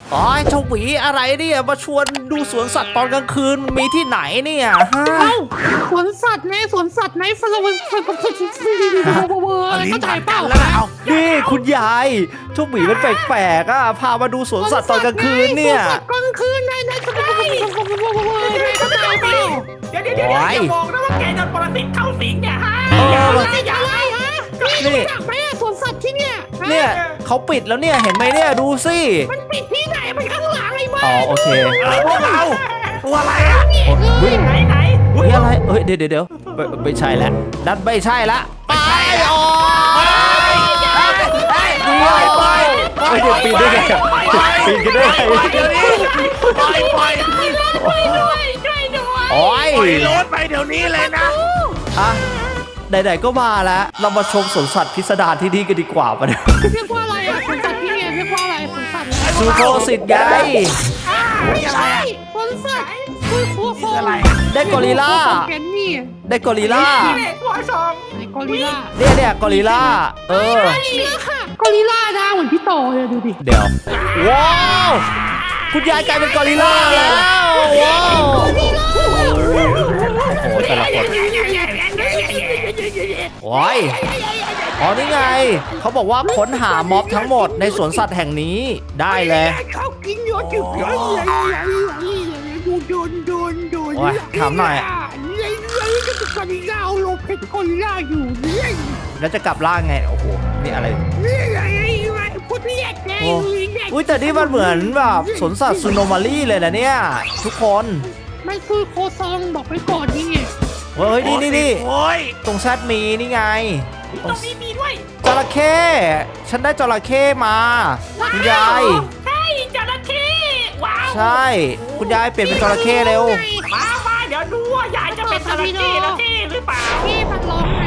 อ๋อเจ้าหวีอะไรเนี่ยมาชวนดูสวนสัตว์ตอนกลางคืนมันมีที่ไหนเนี่ยฮะสวนสัตว์ไงสวนสัตว์ไหนสวนสัตว์เข้าใจเปล่านี่คุณยายเจ้าหวีมันแปลกๆอ่ะพามาดูสวนสัตว์ตอนกลางคืนเนี่ยสวนสัตว์กลางคืนนายเข้าใจเปล่าเดี๋ยวอย่าบอกนะว่าแกโดนปรสิตเข้าสิงเนี่ยฮะอะไรฮะนี่อยากไปสวนสัตว์ที่เนี่ยเขาปิดแล้วเนี่ยเห็นไหมเนี่ยดูสิมันปิดที่ไหนมันข้างหลังไอ้บ้าอ๋อโอเคพวกเราตัวอะไรอ่ะไหนนี่อะไรเดี๋ยวไม่ใช่แล้วนั่นไม่ใช่ละไปออกไปเดี๋ยวปีนได้ไงปีนกันได้ไงโอ้ยรถไปเดี๋ยวนี้เลยนะอ่ะไหนๆก็มาแล้วเรามาชมสวนสัตว์พิสดารที่นี่กันดีกว่าปะเนี่ยเรียกว่าอะไรอ่ะสวนสัตว์ที่เนี่ยเรียกว่าอะไรสวนสัตว์ซูโคสิตไงสวนสัตว์คืออะไรได้กอริลล่าได้กอริลล่ากอริลล่าเนี่ยกอริลล่ากอริลล่าค่ะกอริลล่านะเหมือนพี่โตเลยดูดิเดี๋ยวว้าวคุณยายกลายเป็นกอริลล่าแล้วว้าวโอ้โหแต่ละคนโอ้ยอ๋อนี่ไงเขาบอกว่าค้นหาม็อบทั้งหมดในสวนสัตว์แห่งนี้ได้เลยเขากินเยอะจุดโดนถามหน่อยกอริลล่าเอาลงเพชรกอริลล่าอยู่เนี่ยแล้วจะกลับล่างไงโอ้โหนี่อะไรนี่อะไรพูดเรียกไงอุ้ยแต่นี่มันเหมือนแบบสวนสัตว์ซูโนมารีเลยนะเนี่ยทุกคนมันคือโคซองบอกไปก่อนนี่ไงเฮ้ยนี่ตรงแซดมีนี่ไงตรงนี้มีด้วยจระเข้ฉันได้จระเข้มาคุณยายใช่จระเข้ว้าวใช่คุณยายเปลี่ยนเป็นจระเข้เร็วมาเดี๋ยวดูว่ายายจะเป็นจระเข้หรือเปล่าพี่มันร้องไง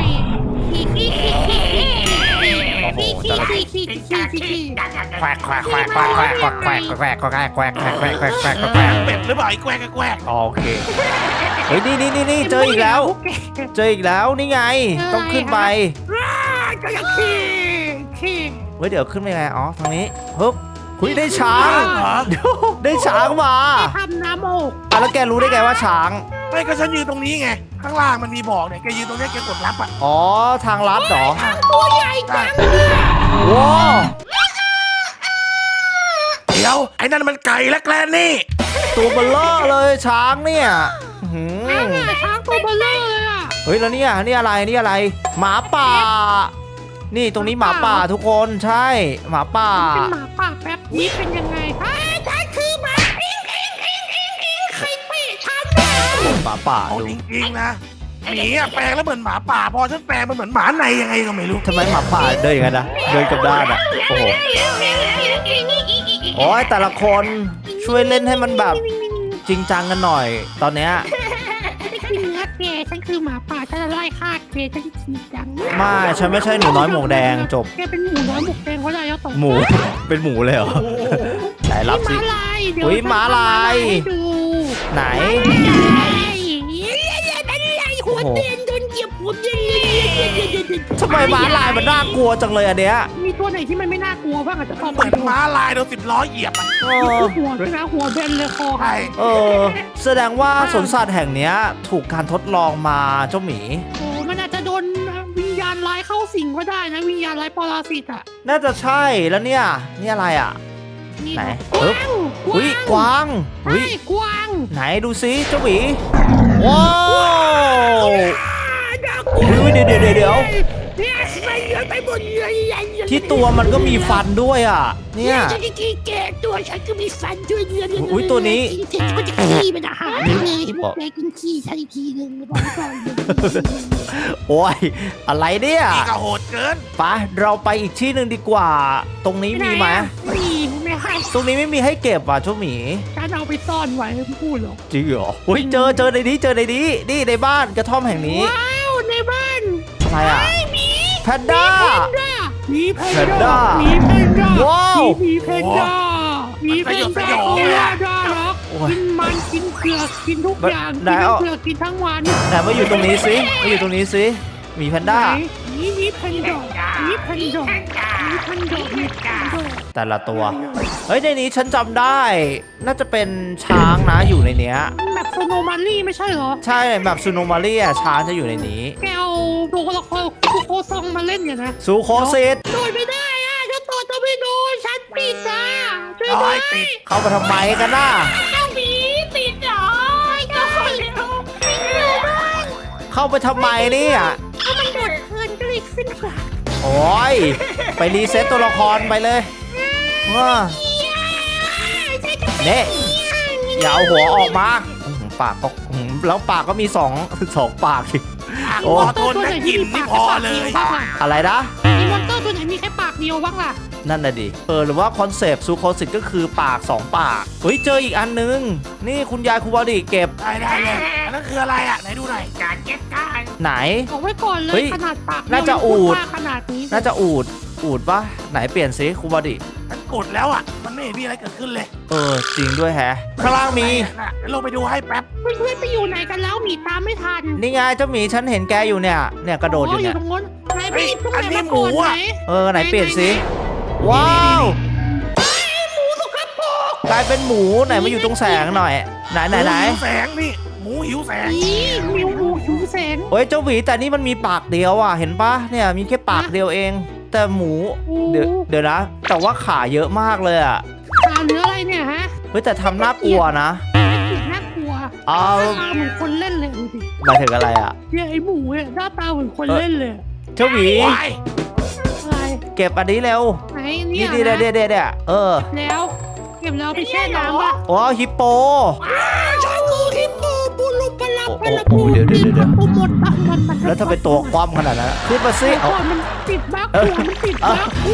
เป็ดหรือเปล่าไอ้แกวกโอเคเฮ้ยนี่เจออีกแล้วนี่ไงต้องขึ้นไปเฮ้ยเดี๋ยวขึ้นไปไงอ๋อทางนี้ฮึบคุยได้ช้างได้ช้างมาทำน้ำอกแล้วแกรู้ได้ไงว่าช้างไม่ก็ฉันยืนตรงนี้ไงข้างล่างมันมีบอกเนี่ยแกยืนตรงนี้แกกดรับอ่ะอ๋อทางลัดเหรอตัวใหญ่จังว้าวเดี๋ยวไอ้นั่นมันไก่และแกลนนี่ตัวเบลเลอร์เลยช้างเนี่ยช้างตัวเบลเลอร์เลยอ่ะเฮ้ยแล้วนี่อะไรหมาป่านี่ตรงนี้หมาป่าทุกคนใช่หมาป่าเป็นหมาป่าแป๊บนี้เป็นยังไงฉันคือหมาใครเตะฉันหมาป่าดูจริงๆนะหมีแปลงแล้วเหมือนหมาป่าพอฉันแปลงมันเหมือนหมาในยังไงก็ไม่รู้ทำไมหมาป่าเดินอย่างนั้นนะเดินกับด้านอ่ะโอ้โหโอ้ยแต่ละคนช่วยเล่นให้มันแบบจริงจังกันหน่อยตอนเนี้ยฉันคือหมาป่าฉันจะไล่ฆ่าแกฉันจริงจังไม่ฉันไม่ใช่หนูน้อยหมวกแดงจบแกเป็นหมูน้อยหมวกแดงเพราะอะไรแล้วต่อหมูเป็นหมูเลยเหรอไหนรับสิอุ้ยม้าลายไหนหัวเตียนโดนเหยียบหัวเตียนทำไมม้าลายมันน่ากลัวจังเลยอันเนี้ยมีตัวไหนที่มันไม่น่ากลัวบ้างอาจจะเหมือนม้าลายโดน10 ล้อเหยียบมันหัวด้วยนะหัวเบนเลยคอใช่แสดงว่าสวนสัตว์แห่งนี้ถูกการทดลองมาเจ้าหมีโอ้มันอาจจะโดนวิญญาณร้ายเข้าสิงก็ได้นะวิญญาณร้ายปรสิตอ่ะน่าจะใช่แล้วเนี่ยนี่อะไรอ่ะไหนอุ้ยกวางอุ้ยกวางไหนดูซิเจ้าหมีว้าวเดี๋ยวที่ตัวมันก็มีฟันด้วยอ่ะเนี่ยฉันจะแกะตัวฉันก็มีฟันด้วยอุ้ยตัวนี้ฉันจะขี้มันอาหารเลยแกกินขี้ฉันอีกทีนึงบอกก่อนโอ้ยอะไรเนี่ยนี่ก็โหดเกินไปเราไปอีกที่หนึ่งดีกว่าตรงนี้มีไหมไม่ให้ตรงนี้ไม่มีให้เก็บอ่ะเจ้าหมีฉันเอาไปซ่อนไว้ไม่พูดหรอกจริงเหรออุ้ยเจอในนี้นี่ในบ้านกระท่อมแห่งนี้ว้าวในบ้านอะไรอ่ะแพนด้ามีแพนด้าว้าวมีแพนด้าน่ารักกินมันกินเผือกกินทุกอย่างกินเผือกกินทั้งวันแต่มาอยู่ตรงนี้สิมีแพนด้ามีแพนด้าแต่ละตัวเฮ้ยในนี้ฉันจำได้ น่าจะเป็นช้างนะอยู่ในเนี้ยแบบโซโนมารี่ไม่ใช่เหรอใช่แบบซูโนมาเรียช้างจะอยู่ในนี้แกเอาตัวละครคุโคซองมาเล่นเนี่ยนะซูโคซิตโดยไม่ได้อ่ะฉันตัวจะไม่โดนฉันปิดอ่ะช่วยร้ด้อวย ยติดเข้ามาทำไมกันน่ะเจ้าหมีติดเหรอเจ้าคนเร็วเข้าไปทำไมเนี่ยถ้ามันโดดเพลินก็เลยขึ้นกว่าโอ้ยไปรีเซ็ตตัวละครไปเลยว้าเน่อย่าเอาหัวออกมาปากก็แล้วปากก็มีสองปากสิ โอ้ขอโทษนะกลิ่นไม่พอเลยอะไรนะมีมอนเตอร์ตัวไหนมีแค่ปากเดียวบ้างล่ะนั่นน่ะดิหรือว่าคอนเซปต์ซูโคซิตก็คือปาก2 ปากเฮ้ยเจออีกอันนึงนี่คุณยายคุณบอดี้เก็บได้เลยอันนั้นคืออะไรอ่ะไหนดูหน่อยการเก็บการไหนบอกไว้ก่อนเลเฮ้ยยขนาดปากน่าจะอูฐขนาดนี้น่าจะอูดปะไหนเปลี่ยนสิคุณบอดี้ฉันกดแล้วอ่ะมันไม่เห็นมีอะไรเกิดขึ้นเลยจริงด้วยแฮะข้างล่างมีน่ะเดี๋ยวลงไปดูให้แป๊บเพื่อนๆไปอยู่ไหนกันแล้วหมีตามไม่ทันนี่ไงเจ้าหมีฉันเห็นแกอยู่เนี่ยกระโดดอยู่เนี่ยตรงนู้นไหนพี่ตรงไหนมาก่อนไหนไหนเปลี่ยนสิว้าวกลายเป็นหมูไหนมาอยู่ตรงแสงหน่อยไหนหมูหิวแสงนี่หมูหิวแสงอีมิวหมูหิวแสงเฮ้ยเจ้าหมีแต่นี่มันมีปากเดียวอ่ะเห็นปะเนี่ยมีแค่ปากเดียวเอง แต่หมูเดี๋ยวนะ แต่ว่าขาเยอะมากเลยอ่ะขาเหลืออะไรเนี่ยฮะเฮ้ยแต่ทำน่ากลัวนะน่ากลัวเอาหน้าตาเหมือนคนเล่นเลยดูดิหมายถึงอะไรอ่ะเนี่ยไอหมูเนี่ยหน้าตาเหมือนคนเล่นเลยเจ้าหมีว้ายอะไรเก็บอันนี้เร็วไหนนี่เนี่ยดีเดี๋ยวแแล้วเก็บแล้วไปแช่น้ำป่ะอ๋อฮิปโปชอบกูฮิปโปปูลุปลาปลาโอ้เดี๋ยวปูหมดปะมันแล้วถ้าเป็นตัวคว่ำขนาดนั้นขึ้นมาสิก่อนมันติดบั๊กหัวมันติดบั๊กหัว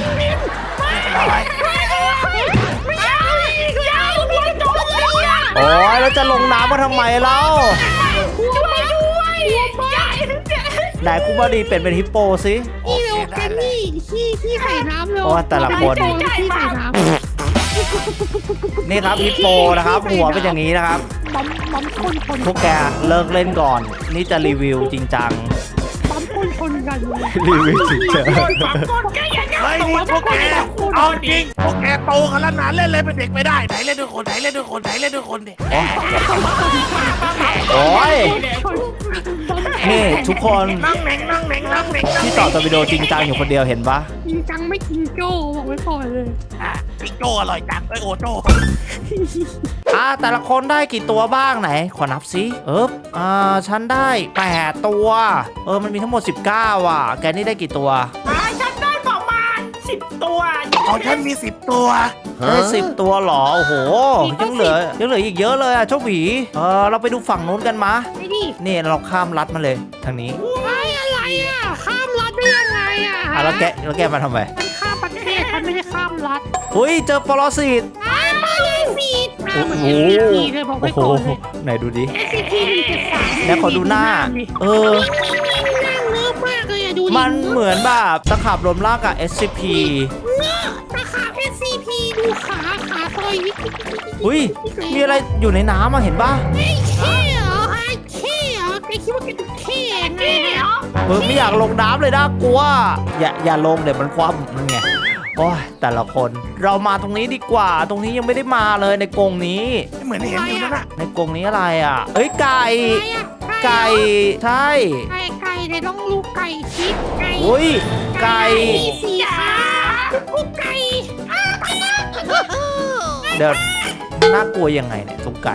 ไม่ใช่ยาวหัวโดนเลยอ่ะโอ้ยแล้วจะลงน้ำมาทำไมเล่าหัวไม่ด้วยใหญ่ไหนคุณบอดี้เป็นฮิปโปสินี่เร็วแกนี่ขี้ใส่น้ำเร็วโอ้แต่ละคนขี้ใส่น้ำนี่ครับฮิปโปนะครับ หัวเป็นอย่างนี้นะครับปั๊มคนพวกแกเลิกเล่นก่อน นี่จะรีวิวจริงจังปั๊มคนกันเลยรีวิวจริงจังเฮ้ยนี่พวกแกเอาจริงพวกแกโตกันแล้วนะเล่นเลยเป็นเด็กไม่ได้ไหนเล่นด้วยคนไหนเล่นด้วยคนไหนเล่นด้วยคนดิโอ้ยนี่ทุกคนนั่งเหน่งนั่งเหน่งนั่งเหน่งที่ต่อตวิดีโอจริงจังอยู่คนเดียวเห็นปะจริงจังไม่กินโจ้บอกไว้ก่อนเลยพี่โจอร่อยจังโอโจแต่ละคนได้กี่ตัวบ้างไหน ขอนับสิฉันได้8ตัวมันมีทั้งหมด19อ่ะแกนี่ได้กี่ตัวฉันได้ประมาณ10 ตัวของฉันมี10 ตัวได้10 ตัวเหรอโอ้โหยังเหลืออีกเยอะเลยอ่ะเจ้าหวีเราไปดูฝั่งนู้นกันมะไอ้ดินี่เราข้ามรัดมาเลยทางนี้ไอ้อะไรอ่ะข้ามรัฐได้ยังไงอ่ะแล้วแกมาทำไมฉันข้ามประเทศฉันไม่ได้ข้ามรัฐอุ้ยเจอปรสิตมาเลยฟีดโอ้โหเลยบอกไว้โอ้โหก่อนเลยไหนดูดิ SCP-173 แล้วขอดูหน้านั่งเลิศมากเลยอะดูดิมันเหมือนแบบตะขาบรวมร่างกับ SCP ตาขา SCP ดูขาซอยนิดอุ้ยมีอะไรอยู่ในน้ำอ่ะเห็นป่ะไอ้เท่เหรอไอ้เท่เหรอแกคิดว่าแกจะเท่ไงเหรอไม่อยากลงน้ำเลยนะกลัวอย่าลงเดี๋ยวมันคว่ำนั่นไงโอ้ยแต่ละคนเรามาตรงนี้ดีกว่า ตรงนี้ยังไม่ได้มาเลยในกรงนี้เหมือนเห็นอยู่นั่นน่ะในกรงนี้อะไรอ่ะเอ้ยไก่ใช่ไก่เดี๋ยวต้องลูกไก่คิดไก่อุ้ยไก่มีสีขาลูกไก่เดี๋ยวน่ากลัวยังไงเนี่ยตรงไก่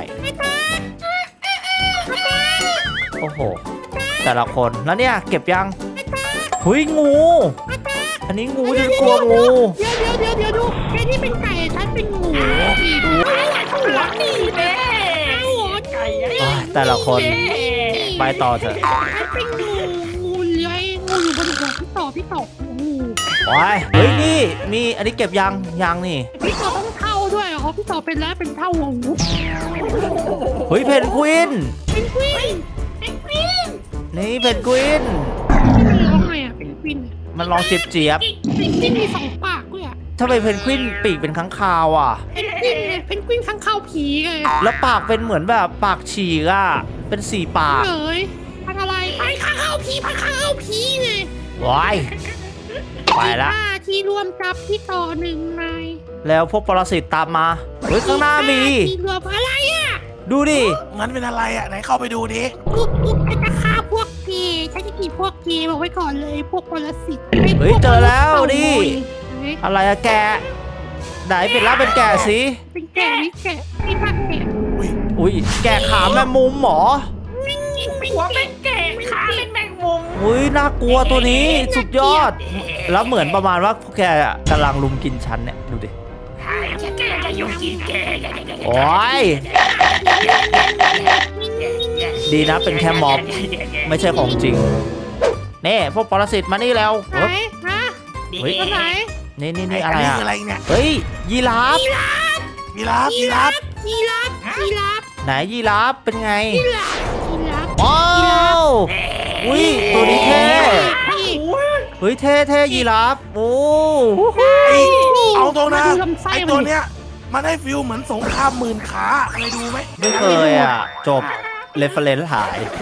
โอ้โหแต่ละคนแล้วเนี่ยเก็บยังหุยงูอันนี้งูฉันกลัวงูเดี๋ยวดูแกนี่เป็นไก่ฉันเป็นงูนี่ดูหัวนี่แม่หัวไก่แต่ละคนไปต่อเถอะฉันเป็นงูเลื้อยงูอยู่บนหัวพี่ต่องูโอ้ยเฮ้ยนี่มีอันนี้เก็บยังนี่พี่ต่อต้องเท่าด้วยเหรอพี่ต่อเป็นแล้วเป็นเท่าหัวงูเฮ้ยเพนกวินเป็นกวินนี่เพนกวินมันร้องไงอ่ะเป็นกวินมันลองเจี๊ยบเป็นกวินมี2 ปากด้วยอ่ะทำไมเพนกวินปีกเป็นค้างคาวอ่ะเป็นกวินไงเป็นกวินข้างเข้าผีไงแล้วปากเป็นเหมือนแบบปากฉีกอ่ะเป็น4 ปากเลยพันอะไรพันข้างเข้าผีไงว้ายไปละที่รวมจับที่ต่อ1 นายแล้วพวกปรสิตตามมาเฮ้ยข้างหน้ามีสีเหลืองอะไรอ่ะดูดิงั้นเป็นอะไรอ่ะไหนเข้าไปดูดิปุ๊บฉันจะฆ่าพวกเกย์ฉันจะกินพวกเกย์บอกไว้ก่อนเลยพวกปรสิตเฮ้ยเจอแล้วดิเฮ้ยอะไรอะแกะไหนเป็นล่าเป็นแกะสิเป็นแกะนี่แกะนี่ภาคแกะอุ้ยแกะขาแมงมุมเหรอหัวเป็นแกะขาเป็นแมงมุมอุ้ยน่ากลัวตัวนี้สุดยอด แล้วเหมือนประมาณว่าพวกแกอะกำลังลุมกินฉันเนี่ยดูดิแกะจะอยู่กินแกะโอ้ยดีนะเป็นแค่ม็อบไม่ใช่ของจริงนี่พวกปรสิตมานี่แล้วไหนฮะเฮ้ยตัวไหนนี่อะไรนี้อะคืออะไรเนี่ยเฮ้ยยีราฟยีราฟยีราฟยีราฟยีราฟไหนยีราฟเป็นไงยีราฟยีราฟว้าวอุ้ยตัวนี้เท่นี่เฮ้ยเท่ยีราฟโอ้ไอ้เอาตรงนะมาดูลำไส้ไอ้มันดิตัวเนี้ยมันได้ฟิลเหมือนสงครามหมื่นขาเคยดูไหมไม่เคยอ่ะจบเรฟเฟรนซ์หาย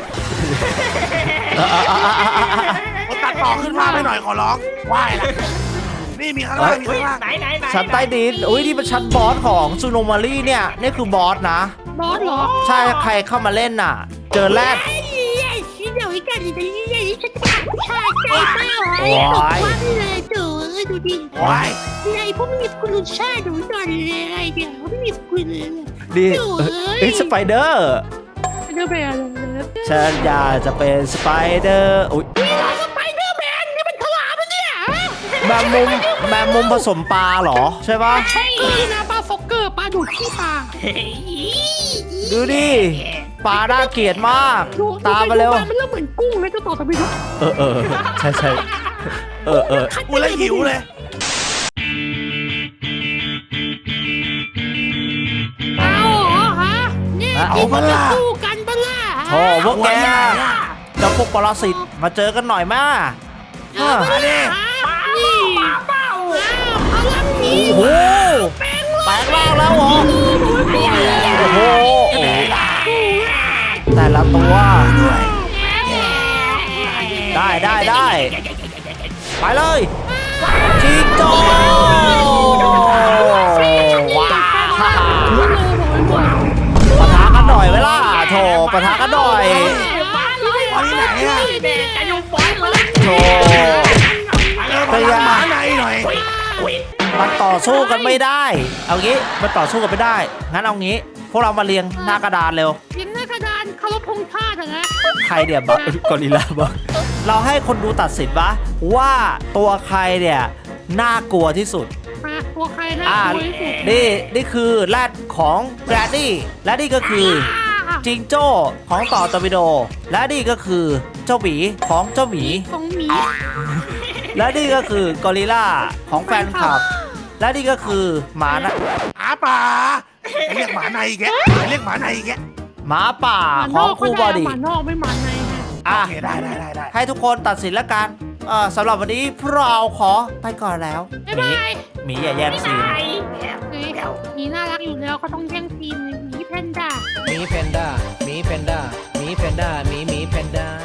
ผมตัดต่อขึ้นมาไปหน่อยขอร้องไหว้ละนี่มีข้างล่างมีข้างล่างชั้นใต้ดินอุ้ยนี่เป็นชั้นบอสของซูโนมารีเนี่ยนี่คือบอสนะบอสเหรอใช่ใครเข้ามาเล่นน่ะ เจอแรดไอ้ยัยชิ้นเดียวกันเลยยัยฉันจะชายใจมากเลยตกวันเลยเจ๋อดูดิไหว้ไอ้พวกมีคุณชาดูหน่อยเลยไอ้เดี๋ยวไม่มีคุณเลยดิเฮ้ยสไปเดอร์เดอร์แมนฉันอยากจะเป็นสไปเดอร์อุ้ยสไปเดอร์แมนนี่มันฉลามมันเนี่ยแมงมุมผสมปลาเหรอใช่ปะใช่นะปลาฟอกเกอร์ปลาดูดขี้ปลาดูดิปลาน่าเกลียดมาก ตามมาเร็วมันเริ่มเหมือนกุ้งนะเจ้าต่อตะบิดเออใช่เออกูเลยหิวเลยเอาเหรอฮะเนี่ยสู้กันปะล่ะโอ้พวกแกเจ้าพวกปรสิตมาเจอกันหน่อยมาเอาปะล่ะนี่เป้าพลังนี้โอ้โหแปลงร่างแล้วเหรอโอ้โหแต่ละตัวได้ไปเลยจิงโจ้ว้าวปะทะกันหน่อยเวล่ะโถปะทะกันหน่อยตอนนี้ไหนอ่ะโถพยายามหมาในหน่อยมันต่อสู้กันไม่ได้ เอางี้มันต่อสู้กันไม่ได้ งั้นเอางี้ พวกเรามาเรียงหน้ากระดานเร็วเรียนหน้ากระดานเคารพธงชาตินะใครเดี๋ยวบักกอริลลาบักเราให้คนดูตัดสินว่าตัวใครเนี่ยน่ากลัวที่สุดมาตัวใครน่ากลัวที่สุดนี่คือแรดของแกรนดี้และนี่ก็คือจิงโจ้ของต่อตอร์ปิโด และนี่ก็คือเจ้าหมีของเจ้าหมีของหมีและนี่ก็คือกอริลลาของแฟนคลับ และนี่ก็คือหมานะหาป่าเรียกหมาในอีกแกเรียกหมาในอีกแกหมาป่าของครูบอดี้หมานอกไม่หมาในฮะอ่ะโอเคได้ให้ทุกคนตัดสินแล้วกันสำหรับวันนี้พวกเราขอไปก่อนแล้วบ๊ายบายหมีอย่าแย่งซีนหมีน่ารักอยู่แล้วเขาต้องแย่งซีนหมีแพนด้าหมีแพนด้าหมีแพนด้าหมีแพนด้าหมีแพนด้า